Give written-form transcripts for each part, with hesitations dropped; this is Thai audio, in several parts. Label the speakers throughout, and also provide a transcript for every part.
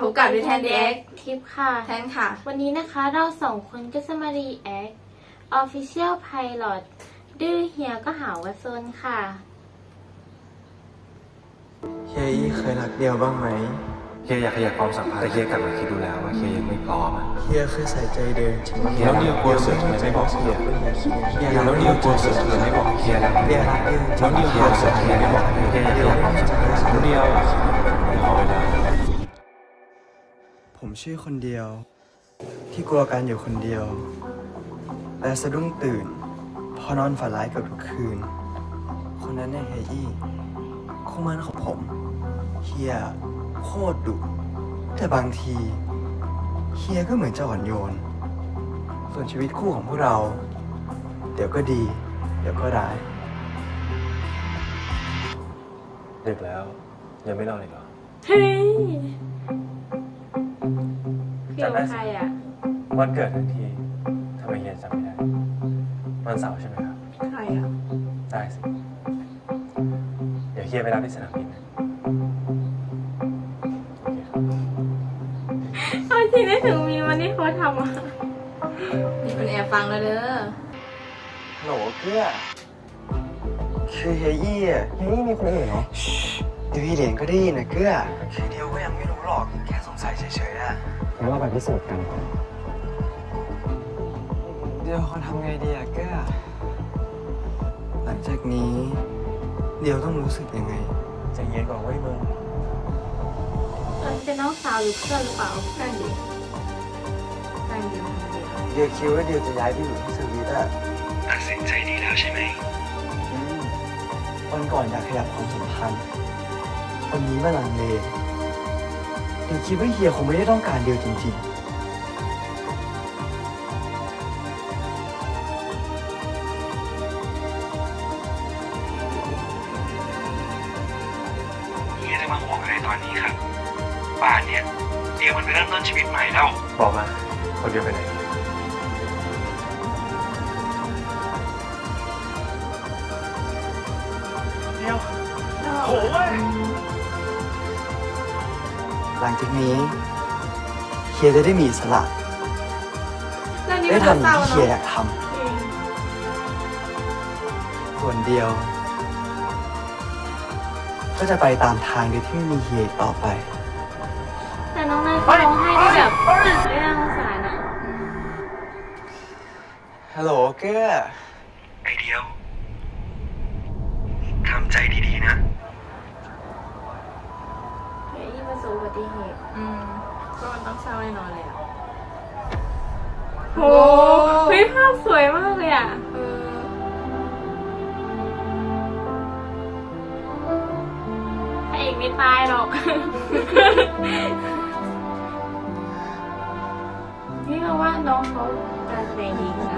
Speaker 1: พบกับดิแทนดีเอ็ก
Speaker 2: ทิปค่ะ
Speaker 1: แทนค่ะ
Speaker 2: วันนี้นะคะเราสองคนก็จะมารีแอค Official Pilot ดื้อเฮียก็หาว่าซนค่ะ
Speaker 3: เฮียอี้เคยรักเดียวบ้างไหม
Speaker 4: เฮียอยากขยับความสัมพันธ์แต่เฮียกลับมาคิดดูแล้วว่าเฮียยังไม่พร้อมอะ
Speaker 3: เฮียเคยใส่ใจเดินจริง
Speaker 4: เฮียแล้วเดียวกลัวเสือทำไมไม่บอกเฮีย
Speaker 3: เฮีย
Speaker 4: แล้วเดียวกลัวเสือทำไมไม่บอกเฮียแล้ว
Speaker 3: เฮียรักเดียวจริ
Speaker 4: แล้ว
Speaker 3: ง
Speaker 4: เดียวกลัวเสือทำไมไม่บอกเฮียอยากขยับความสัมพันธ์แล้วเดียวขอเวลา
Speaker 3: ผมชื่อคนเดียว ที่กลัวการอยู่คนเดียว และสะดุ้งตื่น พอนอนฝันร้ายเกือบทุกคืน คนนั้นเนี่ยเฮียอี้คู่มั่นของผมเฮียโคตรดุแต่บางทีเฮียก็เหมือนจะอ่อนโยน ส่วนชีวิตคู่ของพวกเรา เดี๋ยวก็ดี เดี๋ยวก็ร้าย
Speaker 4: ดึกแล้วยังไม่นอนอีกเหรอ
Speaker 2: เฮ้ยเกี่ยวกับใครอ่ะ
Speaker 4: วันเกิดทั้งทีทำไมเฮียจำไม่ได้วันเสาร์ใช่ไหมครับ
Speaker 1: ใครอ่ะ
Speaker 4: ได้สิเดี๋ยวเฮียไปรับที่สนามบินนะโอเคครับ
Speaker 2: เอาจริงได้ถึงมีวันที่เขาทำอ่ะ
Speaker 1: นี่เป็นแอบฟังแล้วเด้อ
Speaker 3: ฮัลโหลเกื้อคือเฮียอี้อ่ะเฮียอี้มีคนอื่นเหรอเดี๋ยวพี่เหรียญก็ได้ยินนะเกื้อคือเดียวก็ยังไม่รู้หรอก แค่สงสัยเฉยๆอ่ะ
Speaker 4: งั้นเราไปพิสูจน์กัน
Speaker 3: เดี๋ยวเขาทำไงดีอ่ะเกื้อหลังจากนี้ เดี๋ยวต้องรู้สึกยังไง
Speaker 4: ใจเย็นก่อนเว้ยมึง
Speaker 2: เป็นน้องสาวหรือเพื่อนหรือเปล่า
Speaker 1: นั่นดินั่นเดียวคนเดียว
Speaker 3: เดี๋ยวคิดว่าเดี๋ยวจะย้ายไปอยู่ที่สวีทอ่ะ
Speaker 4: ตัดสินใจดีแล้วใช่ไหม
Speaker 3: อืมวันก่อนอยากขยับความสัมพันธ์วันนี้มาลังเลเดี๋ยวคิดว่าเฮียคงไม่ได้ต้องการเดียวจริงๆ
Speaker 4: เฮียจะมาห่วงอะไรตอนนี้ครับป่านเนี่ยเดียวมันไปเริ่มต้นชีวิตใหม่แล้วบอกมาคนเดียวไปไหนเดียวโอ้ย
Speaker 3: หลังจากนี้เฮียจะได้มีอิสระ
Speaker 2: เรื่องนี้
Speaker 3: ได้
Speaker 2: มัน
Speaker 3: ทำ
Speaker 2: เศ
Speaker 3: อย่าง
Speaker 2: ร้า
Speaker 3: ที่เฮียอยาก
Speaker 2: เนาะ
Speaker 3: ทำส่วนเดียว ก็จะไปตามทางโดยที่ไม่มีเฮียอีกต่อไป
Speaker 2: แต่น้องนายเขาร้องไห้ได้แบบได้น่าสงสารอ่ะ
Speaker 3: ฮัลโหลเก้อ
Speaker 4: ไอเดียวทำใจดีๆนะ
Speaker 2: เฮียยี่ประสบอุบัติเหตุ
Speaker 1: ก็มันต้องเศร้าแน่นอนเลยอ่ะ
Speaker 2: โหเฮ้ยภาพสวยมากเลยอ่ะ พระเอกไม่ตายหรอก นี่เราว่าน้องเขาการแสดงดีนะ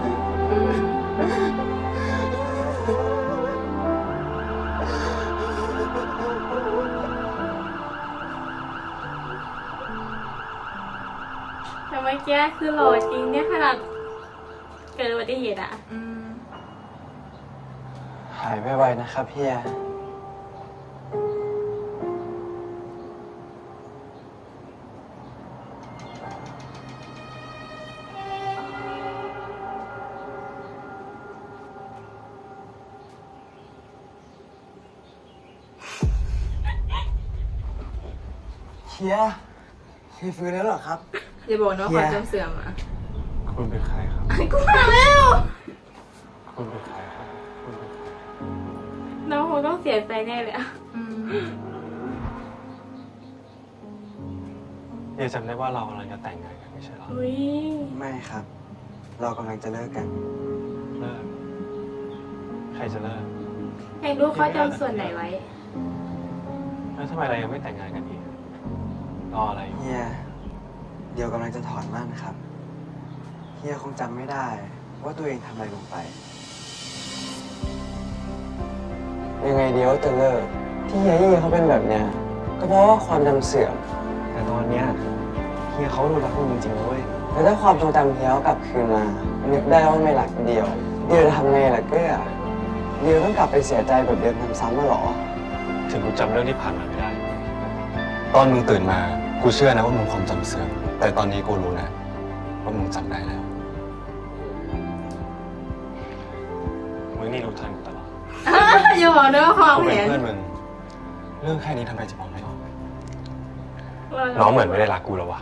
Speaker 2: แต่เมื่อกี้คือหล่อจริงเนี่ยขนาดเกิดอุบัติเหตุอ่ะ
Speaker 3: หายไวๆนะครับเฮียเฮียฟื้นแล้วเหรอครับ
Speaker 1: อย่าบอกนะว่าความจำเสื่อมอ่ะ
Speaker 4: คุณเป็นใครครับ
Speaker 1: กูมาแล้ว
Speaker 4: คุณเป็นใครครับคุณเป็นใคร
Speaker 2: น้องคงต้องเสียใจแน่เลยอ่ะ
Speaker 4: เฮียจำได้ว่าเรากำลังจะแต่งงานกันไม่ใช่เหรอ
Speaker 2: อุ้ย
Speaker 3: ไม่ครับ เรากำลังจะเลิกกัน
Speaker 4: เลิกใครจะเลิก
Speaker 2: อยากรู้เขาจำส่วนไหนไว้
Speaker 4: แล้วทำไมเรายังไม่แต่งงานกันอีกรออะไรอยู่
Speaker 3: เฮียเดี๋ยวกำลังจะถอนมั่นครับ เฮียคงจำไม่ได้ว่าตัวเองทำอะไรลงไป ยังไงเดี๋ยวจะเลิก ที่เฮียยี่เขาเป็นแบบเนี้ยก็เพราะว่าความจำเสื่อม แต่ตอนเนี้ยเฮียเขาดูรักคุณจริงๆเว้ยแล้วถ้าความทรงจำเฮียเขากลับคืนมานึกได้ว่าไม่รักเดียวจะทำไงล่ะเก้อเดียวต้องกลับไปเสียใจแบบเดิมซ้ำๆมาหรอ
Speaker 4: ถึงกูจำเรื่องที่ผ่านมาไม่ได้ ตอนมึงตื่นมา
Speaker 5: กูเชื่อนะว่ามึงความจำเสื่อมแต่ตอนนี้กูรู้นะว่ามึงจำได้แล้ว มึงนี่รู้ทันกูตลอด
Speaker 1: อย่าบอกด้วยว่าความ
Speaker 5: กูเป็น
Speaker 1: เห็น
Speaker 5: เพื่อนมึง เรื่องแค่นี้ทำไมจะบอกไม่ออก น้องเหมือนไม่ได้รักกูแล้ววะ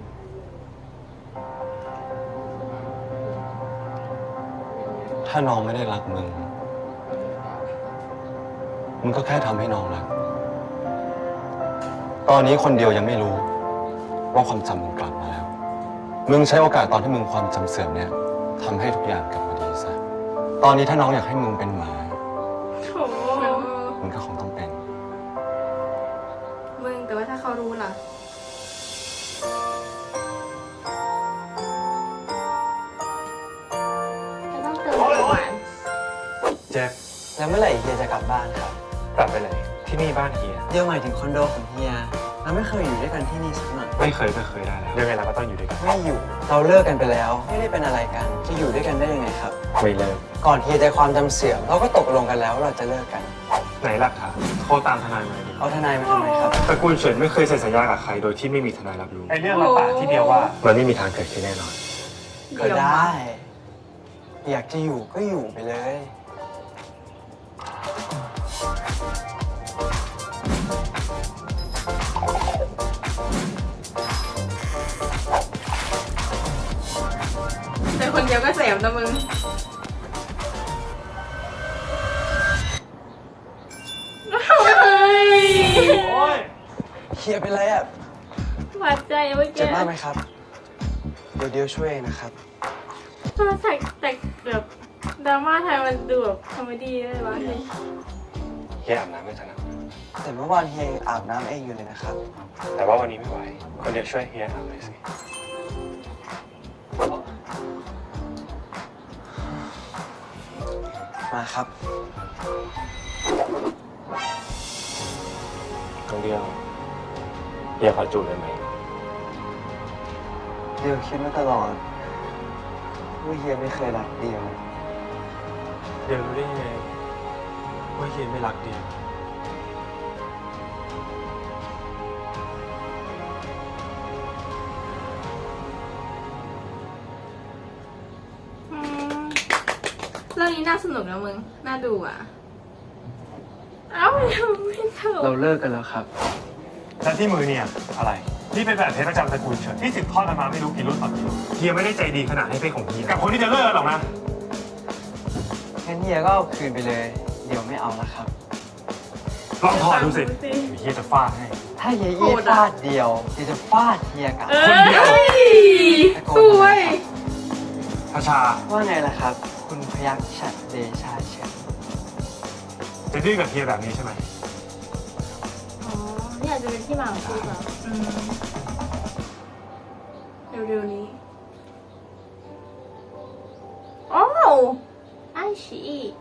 Speaker 5: ถ้าน้องไม่ได้รักมึง มึงก็แค่ทำให้น้องรัก ตอนนี้คนเดียวยังไม่รู้ว่าความจำมึงกลับมาแล้ว มึงใช้โอกาสตอนที่มึงความจำเสื่อมเนี่ยทำให้ทุกอย่างกลับมาดีซะ ตอนนี้ถ้าน้องอยากให้มึงเป็นหมา
Speaker 2: โถ
Speaker 5: มึงก็คงต้องเป็น
Speaker 1: มึงแต่ว่าถ้าเขารู้ล่ะ
Speaker 2: จะต้องเติมหวาน
Speaker 4: แจ็ค
Speaker 3: แล้วเมื่อไหร่เฮียจะกลับบ้านครับ
Speaker 4: กลับไปไหนที่นี่บ้านเฮีย
Speaker 3: เดี๋ยวหมายถึงคอนโดของเฮียเราไม่เคยอยู่ด้วยกันที่นี่สักหน่อย
Speaker 4: ไม่เคยได้แล้วยังไงเราก็ต้องอยู่ด้วยกัน
Speaker 3: ไม่อยู่ เราเลิกกันไปแล้ว ไม่ได้เป็นอะไรกัน จะอยู่ด้วยกันได้ยังไงครับ
Speaker 4: ไม่เลิก
Speaker 3: ก่อนเฮียจะความจำเสื่อมเราก็ตกลงกันแล้วว่าเราจะเลิกกัน
Speaker 4: ไหนหลักฐานโทรตามทนายมาดิ
Speaker 3: เอาทนายมาทำไมครับ
Speaker 4: ตระกูลเฉินไม่เคยเซ็นสัญญากับใครโดยที่ไม่มีทนายรับรู้ไอ้เรื่องเราปากที่เดียวว่ามันไม่มีทางเกิดขึ้นแน่นอน
Speaker 3: ก็ได้ อยากจะอยู่ก็อยู่ไปเลย
Speaker 1: แต่คนเดียวก็แสบนะมึง
Speaker 4: โอ้ย
Speaker 3: เฮียเป็นไรอ่ะ
Speaker 2: หวานใจเมื่อ
Speaker 3: เจ็
Speaker 2: กี้
Speaker 3: บมากไหมครับ เดี๋ยวช่วยเองนะครับ
Speaker 2: ตอนแต่แบบดราม่าไทยมันดูแบบคอมเมดี้ได้วะ
Speaker 4: เฮียอาบน้ำไม่ถนัด
Speaker 3: แต่เมื่อวานเฮียยังอาบน้ำเองอยู่เลยนะครับ
Speaker 4: แต่ว่าวันนี้ไม่ไหว คนเดียวช่วยเฮียอาบหน่อยสิ
Speaker 3: มาครับ
Speaker 4: คนเดียวเฮียขอจูบได้ไหม
Speaker 3: เดียวคิดมาตลอดว่าเฮียไม่เคยรักเดียว
Speaker 4: เดียวรู้ได้ยังไงว่าเฮียไม่รักเดียว
Speaker 1: อืมเรื่องนี้น่าสนุกนะมึง น่าดูอ่ะ
Speaker 2: เอ้าไม่ถูก
Speaker 3: เราเลิกกันแล้วครับ
Speaker 4: และที่มือเนี่ยอะไร นี่เป็นแบบเพชรประจำตระกูลเฉินที่สืบทอดกันมาไม่รู้กี่รุ่นต่อกี่รุ่นเฮียไม่ได้ใจดีขนาดให้เป็นของเฮียกับคนที่จะเลิกหรอกนะ
Speaker 3: งั้นเฮียก็เอาคืนไปเลย เดี๋ยวไม่เอาแล้วครับ
Speaker 4: ลองถอดดูสิเฮียจะฟาดให้
Speaker 3: ถ้าเฮียอี้ฟาดเดียวเฮียจะฟาดเฮียกลับ
Speaker 4: คนเดียว
Speaker 1: สวย
Speaker 4: พระชา
Speaker 3: ว่าไงล่ะครับ คุณพยัคฆ์ฉัตรเดชาเฉิน
Speaker 4: จะดื้อกับเฮียแบบนี้ใช่ไหม
Speaker 2: อ๋อนี่อาจจะเป็นที่มาของชื่อเหรอ
Speaker 1: อืมเร็วๆนี้
Speaker 2: โอ้ไอชี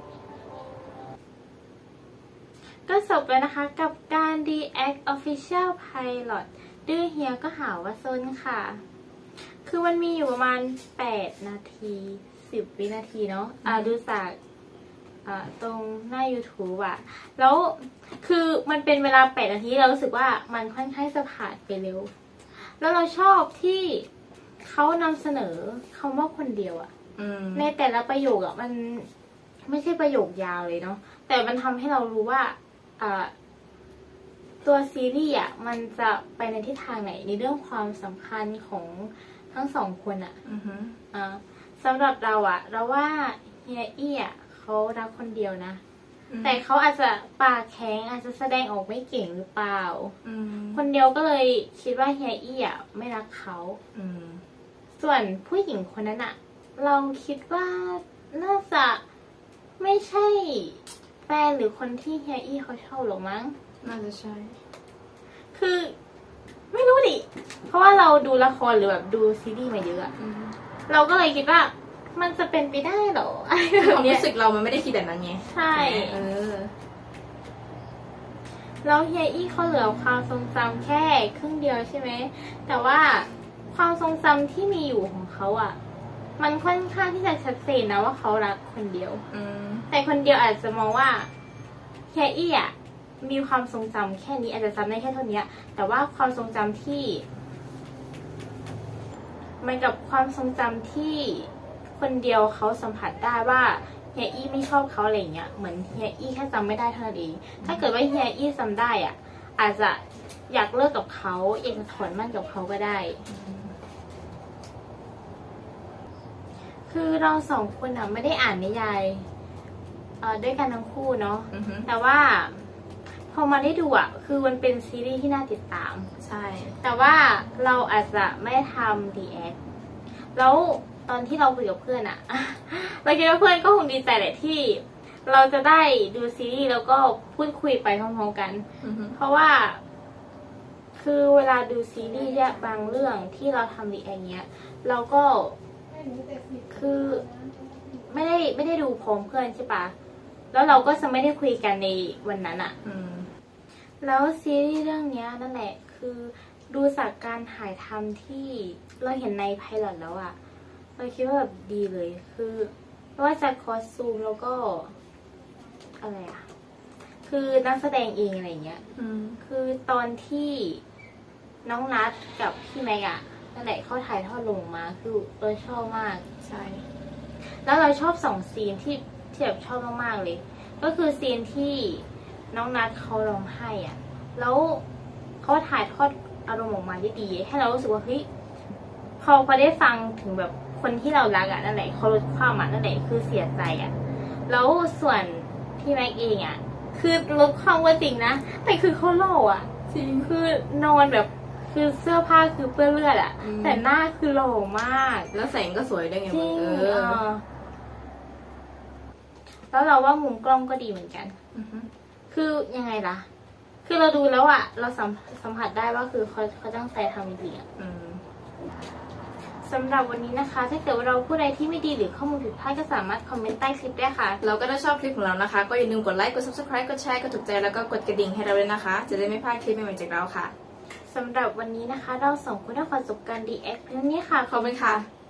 Speaker 2: ก็จบแล้วนะคะกับการ React Official Pilot ดื้อเฮียก็หาว่าซนค่ะ คือมันมีอยู่ประมาณ 8 นาที 10 วินาทีเนาะดูจากตรงหน้า YouTube อะแล้วคือมันเป็นเวลา 8 นาทีเรารู้สึกว่ามันค่อนข้างจะผ่านไปเร็ว แล้วเราชอบที่เขานำเสนอคำว่าคนเดียวอะ
Speaker 1: อืม
Speaker 2: ในแต่ละประโยคอะมันไม่ใช่ประโยคยาวเลยเนาะแต่มันทำให้เรารู้ว่าตัวซีรีส์อะมันจะไปในทิศทางไหนในเรื่องความสำคัญของทั้งสองคนอะ
Speaker 1: อือหือ
Speaker 2: สำหรับเราอะเราว่าเฮียอี้อะเขารักคนเดียวนะ
Speaker 1: อืม
Speaker 2: แต่เขาอาจจะปากแข็งอาจจะแสดงออกไม่เก่งหรือเปล่า
Speaker 1: อืม
Speaker 2: คนเดียวก็เลยคิดว่าเฮียอี้อะไม่รักเขา
Speaker 1: อืม
Speaker 2: ส่วนผู้หญิงคนนั้นอะเราคิดว่าน่าจะไม่ใช่แฟนหรือคนที่เฮียอี้เขาชอบหรอกมั้ง
Speaker 1: น่าจะใช่
Speaker 2: คือไม่รู้ดิ เพราะว่าเราดูละครหรือแบบดูซีรีส์มาเยอะอะ
Speaker 1: อืม
Speaker 2: เราก็เลยคิดว่ามันจะเป็นไปได้เหรออะไร
Speaker 1: คือ
Speaker 2: แบ
Speaker 1: ควา
Speaker 2: บ
Speaker 1: ม
Speaker 2: เนี้ย
Speaker 1: รู้สึกเรามันไม่ได้คิดแบบนั้นไง
Speaker 2: ใช่
Speaker 1: เออ
Speaker 2: แล้วเฮียอี้เขาเหลือความทรงจำแค่ครึ่งเดียวใช่ไหม แต่ว่าความทรงจำที่มีอยู่ของเขาอะมันค่อนข้างที่จะชัดเจนนะว่าเขารักคนเดียว
Speaker 1: อืม
Speaker 2: แต่คนเดียวอาจจะมองว่าเฮียอี้อะมีความทรงจำแค่นี้อาจจะจำได้แค่เท่านี้แต่ว่าความทรงจำที่มันกับความทรงจำที่คนเดียวเขาสัมผัสได้ว่าเฮียอี้ไม่ชอบเขาอะไรเงี้ยเหมือนเฮียอี้แค่จำไม่ได้เท่านั้นเองถ้าเกิดว่าเฮียอี้จำได้อ่ะอาจจะอยากเลิกกับเขาอยากจะถอนมั่นกับเขาก็ได้คือเราสองคนอ่ะไม่ได้อ่านนิยายด้วยกันทั้งคู่เนาะ
Speaker 1: อือฮึ
Speaker 2: แต่ว่าพอมาได้ดูอ่ะคือมันเป็นซีรีส์ที่น่าติดตาม
Speaker 1: ใช่
Speaker 2: แต่ว่าเราอาจจะไม่ทำ react แล้วตอนที่เราคุยกับเพื่อนอะ เราคิดว่าเพื่อนก็คงดีใจแหละที่ เราจะได้ดูซีรีส์แล้วก็พูดคุยไปพร้อมๆกัน
Speaker 1: อือฮึ
Speaker 2: เพราะว่า คือเวลาดูซีรีส์บางเรื่องที่เราทำ react เงี้ย เราก็คือไม่ได้ดูพร้อมเพื่อนใช่ปะแล้วเราก็จะไม่ได้คุยกันในวันนั้นอะ
Speaker 1: อืม
Speaker 2: แล้วซีรีส์เรื่องนี้นั่นแหละคือดูจากการถ่ายทำที่เราเห็นในไพลอตแล้วอะเราคิดว่าแบบดีเลยคือไม่ว่าจะคอสตูมแล้วก็อะไรอะคือนักแสดงเองอะไรเงี้ย
Speaker 1: อืม
Speaker 2: คือตอนที่น้องนัทกับพี่แม็กอะนั่นแหละเขาถ่ายทอดลงมาคือเราชอบมาก
Speaker 1: ใช่
Speaker 2: แล้วเราชอบ2ซีนที่แบบชอบมากๆเลย ก็คือซีนที่น้องนัทเขาร้องไห้อะแล้วเขาถ่ายทอดอารมณ์ออกมาได้ดีให้เรารู้สึกว่าเฮ้ยพอได้ฟังถึงแบบคนที่เรารักอะนั่นแหละเขาลดความอะนั่นแหละคือเสียใจอะแล้วส่วนพี่แม็กเองอะคือลดความว่าจริงนะแต่คือเขาหล่ออะ
Speaker 1: จริง
Speaker 2: คือนอนแบบคือเสื้อผ้าคือเปื้อนเลือดอะ
Speaker 1: อืม
Speaker 2: แต่หน้าคือหล่อมาก
Speaker 1: แล้วแสงก็สวยด้วยไง
Speaker 2: จ
Speaker 1: มึ
Speaker 2: ริ
Speaker 1: ง
Speaker 2: งแล้วเราว่ามุมกล้องก็ดีเหมือนกัน
Speaker 1: อือฮึ
Speaker 2: คือยังไงล่ะ คือเราดูแล้วอะเราสัมผัสได้ว่าคือเขาตั้งใจทำจริงๆอะ
Speaker 1: อืม
Speaker 2: สำหรับวันนี้นะคะ ถ้าเกิดว่าเราพูดอะไรที่ไม่ดีหรือข้อมูลผิดพลาดก็สามารถคอมเมนต์ใต้คลิปได้ค่ะ
Speaker 1: เราก็ถ้าชอบคลิปของเรานะคะ ก็อย่าลืมกดไลค์ กด subscribe กดแชร์ กดถูกใจ แล้วก็กดกระดิ่งให้เราด้วยนะคะ จะได้ไม่พลาดคลิปใหม่ๆจากเราค่ะ
Speaker 2: สำหรับวันนี้นะคะ เราสองคนได้ขอจบการ react เพียงเท่านี้ค่ะ
Speaker 1: ขอบคุณค่ะ